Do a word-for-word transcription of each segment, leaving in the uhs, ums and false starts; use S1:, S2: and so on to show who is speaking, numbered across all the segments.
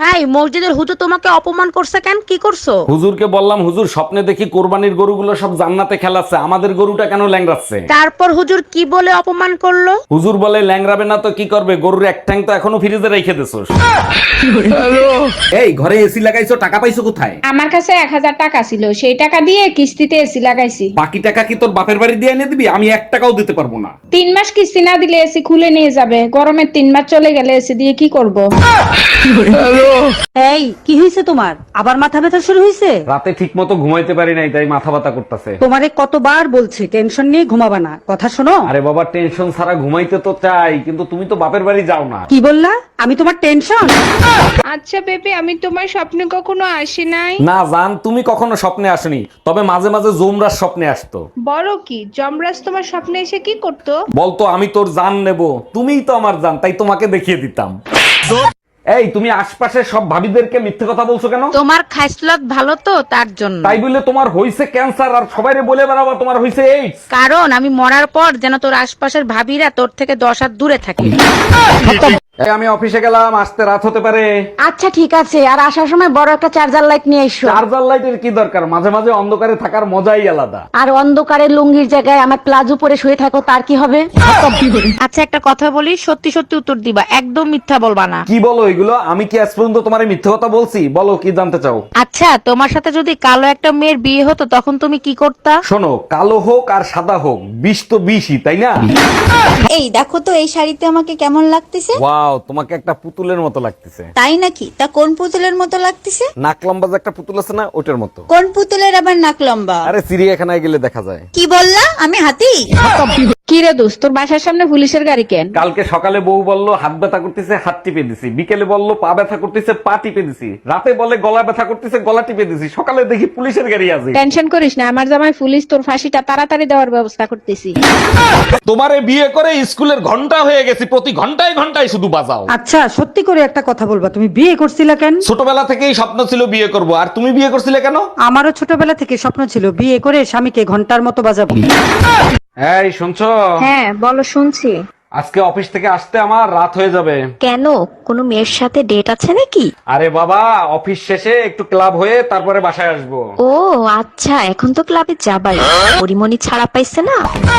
S1: এই মসজিদের হুজুর তোমাকে অপমান করছে কেন? কি করছো?
S2: হুজুরকে বললাম, হুজুর স্বপ্নে দেখি কোরবানির গরুগুলো সব জান্নাতে খেলাচ্ছে, আমাদের গরুটা কেন ল্যাংড়াচ্ছে?
S1: তারপর হুজুর কি বলে অপমান করলো?
S2: হুজুর বলে, ল্যাংড়াবে না তো কি করবে, গরুর এক ঠ্যাং তো এখনো ফ্রিজে রেখে দিছোস। এই ঘরে এসি লাগাইছো, টাকা পাইছো কোথায়?
S3: আমার কাছে এক হাজার টাকা ছিল, সেই টাকা দিয়ে কিস্তিতে এসি লাগাইছি।
S2: বাকি টাকা কি তোর বাপের বাড়ি দিয়ে এনে দিবি? আমি এক টাকাও দিতে পারবো না।
S3: তিন মাস কিস্তি না দিলে এসি খুলে নিয়ে যাবে, গরমের তিন মাস চলে গেলে এসি দিয়ে কি করব?
S4: এই কি হয়েছে তোমার? আবার মাথা ব্যথা শুরু হয়েছে?
S2: রাতে ঠিক মতো ঘুমাইতে পারি নাই, তাই মাথা ব্যথা করতেছে।
S4: তোমারে কতবার বলছি টেনশন নিয়ে ঘুমাবা না, কথা শোনো।
S2: আরে বাবা, টেনশন ছাড়া ঘুমাইতে তো চাই, কিন্তু তুমি তো বাপের বাড়ি যাও না।
S4: কি বললা? আমি তোমার টেনশন?
S3: আচ্ছা বেবি, আমি তোমার স্বপ্নে কখনো আসি নাই।
S2: না জান, তুমি কখনো স্বপ্নে আসনি, তবে মাঝে মাঝে জুমরার স্বপ্নে আসতো।
S3: বড় কি যমরাজ তোমার স্বপ্নে এসে কি করতো?
S2: বলতো আমি তোর জান নেব, তুমিই তো আমার জান, তাই তোমাকে দেখিয়ে দিতাম। এই তুমি আশপাশে সব ভাবিদেরকে মিথ্যে কথা বলছো কেন?
S1: তোমার খাইসলত ভালো তো তার জন্য।
S2: তাই বলে তোমার হইছে ক্যান্সার আর সবাইরে বলে বেড়াবা তোমার হইছে এইডস?
S1: কারণ আমি মরার পর যেন তোর আশপাশের ভাবিরা তোর থেকে দশ হাত দূরে থাকে।
S2: এই আমি অফিসে গেলাম, আসতে রাত হতে পারে।
S4: আচ্ছা ঠিক আছে, আর আসার সময় বড় একটা চার্জার লাইট নিয়ে এসো।
S2: চার্জার লাইটের কি দরকার, মাঝে মাঝে অন্ধকারে থাকার মজাই আলাদা।
S4: আর অন্ধকারের লুঙ্গির জায়গায় আমার প্লাজো পরে শুয়ে থাকো, তার কি হবে?
S1: আচ্ছা একটা কথা বলি, সত্যি সত্যি উত্তর দিবা, একদম মিথ্যা বলবা না।
S2: কি বলো এগুলো? আমি কি আজ পর্যন্ত তোমার মিথ্যে কথা বলছি? বলো কি জানতে চাও?
S1: আচ্ছা তোমার সাথে যদি কালো একটা মেয়ের বিয়ে হতো তখন তুমি কি করতা?
S2: শোনো, কালো হোক আর সাদা হোক, বিষ তো বিষই, তাই না?
S5: এই দেখো তো এই শাড়িতে আমাকে কেমন লাগতেছে।
S2: ওয়াও, তোমাকে একটা পুতুলের মতো লাগতেছে।
S5: তাই নাকি? তা কোন পুতুলের মতো লাগতেছে?
S2: নাক লম্বা যে একটা পুতুল আছে না, ওটার মতো।
S5: কোন পুতুলের আবার নাক লম্বা?
S2: আরে চিড়িয়াখানায় গেলে দেখা যায়।
S5: কি বললা? আমি হাতি?
S3: কি রে দোস্ত, তোর বাসার সামনে পুলিশের গাড়ি কেন?
S2: কালকে সকালে বউ বলল হাত ব্যথা করতেছে, হাত টিপে দিছি। বিকেলে বলল পা ব্যথা করতেছে, পা টিপে দিছি। রাতে বলে গলা ব্যথা করতেছে, গলা টিপে দিছি। সকালে দেখি পুলিশের গাড়ি আছে।
S3: টেনশন করিস না, আমার জামাই পুলিশ, তোর ফাঁসিটা তাড়াতাড়ি দেওয়ার ব্যবস্থা করতেছি।
S2: তোমারে বিয়ে করে স্কুলের ঘন্টা হয়ে গেছি, প্রতি ঘন্টায় ঘন্টায় শুধু বাজাও।
S4: আচ্ছা সত্যি করে একটা কথা বলবা, তুমি বিয়ে করছিলা কেন?
S2: ছোটবেলা থেকেই স্বপ্ন ছিল বিয়ে করব, আর তুমি বিয়ে করছিলে কেন?
S4: আমারও ছোটবেলা থেকে স্বপ্ন ছিল বিয়ে করে স্বামীকে ঘন্টার মতো বাজাবো।
S2: এই শুনছো?
S6: হ্যাঁ বলো, শুনছি।
S2: আজকে অফিস থেকে আসতে আমার রাত হয়ে যাবে।
S6: কেন, কোনো মেয়ের সাথে ডেট আছে নাকি?
S2: আরে বাবা, অফিস শেষে একটু ক্লাব হয়ে তারপরে বাসায় আসবো।
S6: ও আচ্ছা, এখন তো ক্লাবে যাবাই, পরিমণি ছাড়া পাইছে না।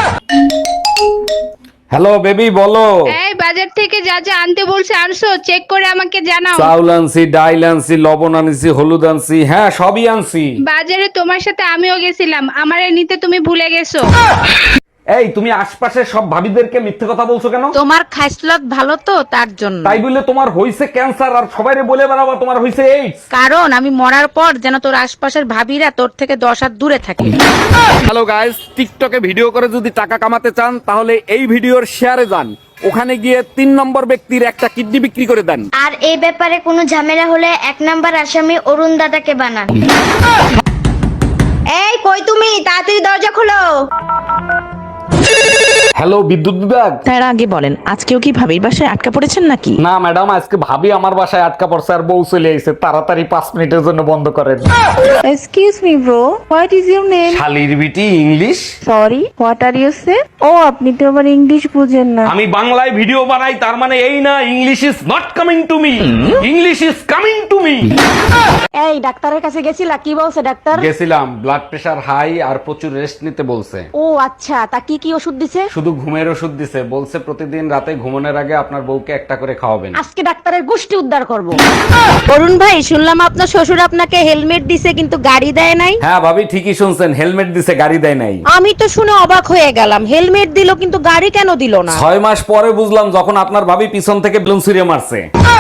S2: হ্যালো বেবি, বলো।
S3: এই বাজার থেকে যা যা আনতে বলছে আনছো? চেক করে আমাকে জানাও।
S2: চাউল আনছি, ডাইল আনছি, লবণ আনছি, হলুদ আনছি, হ্যাঁ সবই আনছি।
S3: বাজারে তোমার সাথে আমিও গেছিলাম, আমারে নিতে তুমি ভুলে গেছো।
S2: এই তুমি আশপাশে সব ভাবিদেরকে মিথ্যে কথা বলছো কেন?
S1: তোমার খাইসলত ভালো তো তার জন্য।
S2: তাই বলে তোমার হইছে ক্যান্সার আর সবাইরে বলে বেড়াবা তোমার হইছে এইডস?
S1: কারণ আমি মরার পর যেন তোর আশপাশের ভাবিরা তোর থেকে দশ হাত দূরে থাকে।
S2: হ্যালো গাইস, টিকটকে ভিডিও করে যদি টাকা কামাতে চান তাহলে এই ভিডিওর শেয়ারে যান, ওখানে গিয়ে তিন নম্বর ব্যক্তির একটা কিডনি বিক্রি করে দেন।
S7: আর এই ব্যাপারে কোনো ঝামেলা হলে এক নাম্বার আসামি অরুণ দাদাকে বানান। এই কই তুমি, তাড়াতাড়ি দরজা খোলো।
S2: হ্যালো বিদ্যুৎ বিভাগ।
S8: তার আগে বলেন, আজকেও কি ভাবির বাসায় আটকা পড়েছেন নাকি?
S2: না ম্যাডাম, আজকে ভাবি আমার বাসায় আটকা পড়ছে আর বউ চলে এসেছে, তাড়াতাড়ি পাঁচ মিনিটের জন্য বন্ধ করেন।
S8: Excuse me bro, what is your name?
S2: শালির বিটি English.
S8: Sorry, what are you say? ও আপনি তো আবার ইংলিশ বুঝেন না।
S2: আমি বাংলায় ভিডিও বানাই, তার মানে এই না English is not coming to me, English is coming to me.
S4: এই ডাক্তারের কাছে গেছিলা, কি বলছে ডাক্তার?
S2: গেছিলাম, ব্লাড প্রেশার হাই আর প্রচুর রেস্ট নিতে বলছে।
S4: ও আচ্ছা, তা কি কি ওষুধ দিছে?
S2: শুধু ঘুমের ওষুধ দিছে, বলছে প্রতিদিন রাতে ঘুমানোর আগে আপনার বউকে একটা করে খাওয়াবেন।
S4: আজকে ডাক্তারের গোষ্ঠী উদ্ধার করব।
S1: অরুণ ভাই, শুনলাম আপনার শ্বশুর আপনাকে হেলমেট দিছে কিন্তু গাড়ি দেয় নাই।
S2: হ্যাঁ ভাবি, ঠিকই শুনছেন, হেলমেট দিছে, গাড়ি দেয় নাই।
S1: আমি তো শুনে অবাক হয়ে গেলাম, হেলমেট দিল কিন্তু গাড়ি কেন দিল না?
S2: ছয় মাস পরে বুঝলাম, যখন আপনার ভাবি পিছন থেকে বেলুন ছুঁড়ে মারছে।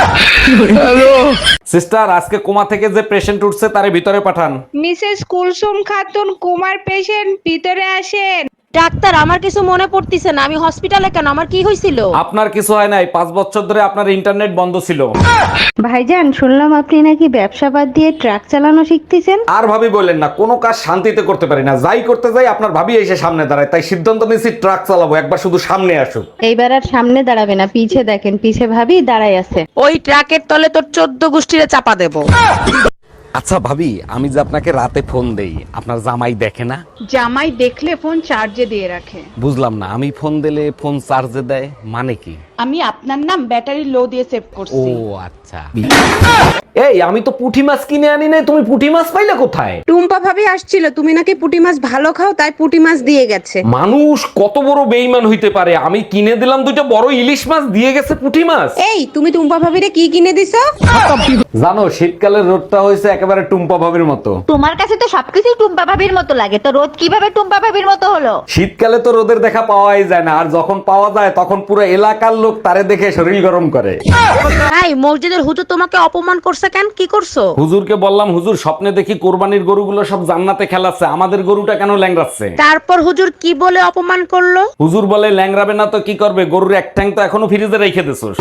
S2: সিস্টার, আজকে কোমা থেকে যে পেশেন্ট উঠছে তারে ভিতরে পাঠান।
S3: মিসেস কুলসুম খাতুন, কুমার পেশেন্ট, ভিতরে আসেন।
S1: ডাক্তার, আমার কিছু মনে পড়তিছে না, আমি হসপিটালে কেন, আমার কি হয়েছিল?
S2: আপনার কিছু হয় নাই, পাঁচ বছর ধরে আপনার ইন্টারনেট বন্ধ ছিল।
S6: ভাইজান, শুনলাম আপনি নাকি ব্যবসা বাদ দিয়ে ট্রাক চালানো শিখতেছেন।
S2: আর ভাবি বললেন না, কোনো কাজ শান্তিতে করতে পারি না, যাই করতে যাই আপনার ভাবি এসে সামনে দাঁড়ায়, তাই সিদ্ধান্ত নিয়েছি ট্রাক চালাবো, একবার শুধু সামনে আসুক।
S6: এইবার আর সামনে দাঁড়াবে না, পিছে দেখেন, পিছে ভাবি দাঁড়াই আছে।
S1: ওই ট্রাকের তলে তোর চোদ্দ গোষ্ঠীরে চাপা দেবো।
S2: আচ্ছা ভাবি, আমি যে আপনাকে রাতে ফোন দেই, আপনার জামাই দেখে না?
S3: জামাই দেখলে ফোন চার্জে দিয়ে রাখে।
S2: বুঝলাম না, আমি ফোন দিলে ফোন চার্জে দেয় মানে কি?
S3: আমি আপনার নাম ব্যাটারি লো দিয়ে সেভ
S2: ও
S3: করছি।
S2: আচ্ছা। এই আমি তো পুঁটি মাছ কিনে আনি নাই, তুমি পুঁটি মাছ পাইলে কোথায়?
S9: টুম্পা ভাবি আসছিল, তুমি নাকি পুঁটি মাছ ভালো খাও তাই পুঁটি মাছ দিয়ে গেছে।
S2: মানুষ কত বড় বেইমান হইতে পারে, আমি কিনে দিলাম দুইটা বড় ইলিশ মাছ, দিয়ে গেছে পুঁটি মাছ।
S9: এই তুমি টুম্পা ভাবিরে কি কিনে দিছো?
S2: জানো শীতকালের রোদটা হয়েছে একেবারে টুম্পা ভাবির মতো।
S5: তোমার কাছে তো সবকিছু টুম্পা ভাবির মতো লাগে, তো রোদ কিভাবে টুম্পা ভাবির মতো হলো?
S2: শীতকালে তো রোদের দেখা পাওয়াই যায় না, আর যখন পাওয়া যায় তখন পুরো এলাকার লোক তারে দেখে শরীর গরম করে।
S1: এই মসজিদের হুজুর তোমাকে অপমান করছে কেন? কি করছো?
S2: হুজুরকে বললাম, হুজুর স্বপ্নে দেখি কোরবানির গরুগুলো সব জান্নাতে খেলাচ্ছে, আমাদের গরুটা কেন ল্যাংড়াচ্ছে?
S1: তারপর হুজুর কি বলে অপমান করলো?
S2: হুজুর বলে, ল্যাংড়াবে না তো কি করবে, গরুর এক ঠ্যাং তো এখনো ফ্রিজে রেখে দিছোস।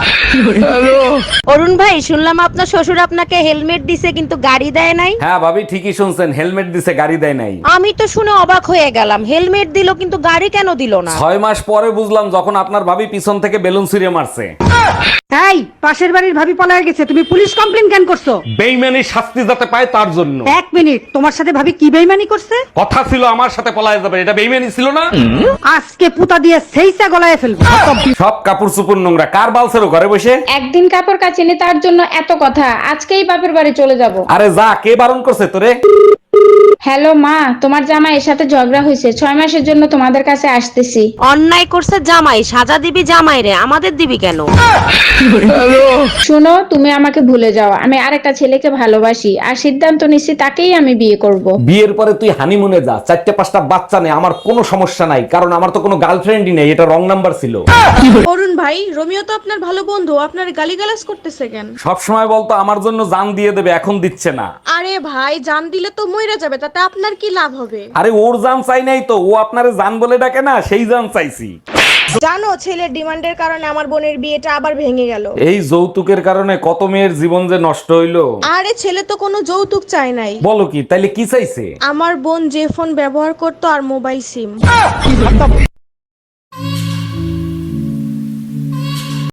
S1: অরুণ ভাই শুনলাম আপনার শ্বশুর আপনাকে হেলমেট দিছে কিন্তু গাড়ি দেয় নাই।
S2: হ্যাঁ ভাবি ঠিকই শুনছেন, হেলমেট দিছে গাড়ি দেয় নাই।
S1: আমি তো শুনে অবাক হয়ে গেলাম, হেলমেট দিল কিন্তু গাড়ি কেন দিল না?
S2: ছয় মাস পরে বুঝলাম যখন আপনার ভাবি পিছন থেকে বেলুন ছিঁড়ে মারছে।
S4: এই পাশের বাড়ির ভাবি পলায় গেছে, তুমি পুলিশ কমপ্লেন কেন করছো?
S2: বেইমানি শাস্তি যাতে পায় তার জন্য।
S4: এক মিনিট, তোমার সাথে ভাবি কি বেইমানি করছে?
S2: কথা ছিল আমার সাথে পলায় যাবে, এটা বেইমানি ছিল না?
S4: আজকে পুতা দিয়ে সেইসা গলায় ফেলবো।
S2: সব কাপড় চুপুর নোংরা, কার বালছেরও ঘরে বসে?
S3: একদিন কাপড় কাচিনি তার জন্য এত কথা, আজকেই বাপের বাড়ি চলে যাব।
S2: আরে যা, কে বারণ করছে তোরে?
S3: হ্যালো মা, তোমার জামাইয়ের সাথে ঝগড়া হয়েছে, ছয় মাসের জন্য তোমাদের কাছে আসতেছি।
S1: অন্যায় করছে জামাই, সাজা দিবি জামাই রে, আমাদের দিবি কেন?
S3: শোনো, তুমি আমাকে ভুলে যাও, আমি আরেকটা ছেলেকে ভালোবাসি আর সিদ্ধান্ত নিচ্ছি তাকেই আমি বিয়ে করব।
S2: বিয়ের পরে তুই হানিমুনে যা, চারটে পাঁচটা বাচ্চা নেই, আমার কোনো সমস্যা নাই, কারণ আমার তো কোনো গার্লফ্রেন্ডই নেই, এটা রং নাম্বার ছিল।
S9: অরুণ ভাই, রোমিও তো আপনার ভালো বন্ধু, আপনার গালিগালাজ করতেছে কেন?
S2: সব সময় বলতো আমার জন্য জান দিয়ে দেবে, এখন দিচ্ছে না।
S9: আরে ভাই, জান দিলে তো মইরা যাবে, তাতে আপনার কি লাভ হবে?
S2: আরে ওর জান চাই নাই তো, ও আপনারে জান বলে ডাকে না, সেই জান চাইছি।
S9: জানো ছেলের ডিমান্ডের কারণে আমার বোনের বিয়েটা আবার ভেঙে গেল।
S2: এই যৌতুকের কারণে কত মেয়ের জীবন যে নষ্ট হইলো।
S9: আরে ছেলে তো কোনো যৌতুক চায় নাই।
S2: বলো কি, তাইলে কি চাইছে?
S9: আমার বোন যে ফোন ব্যবহার করতো আর মোবাইল সিম।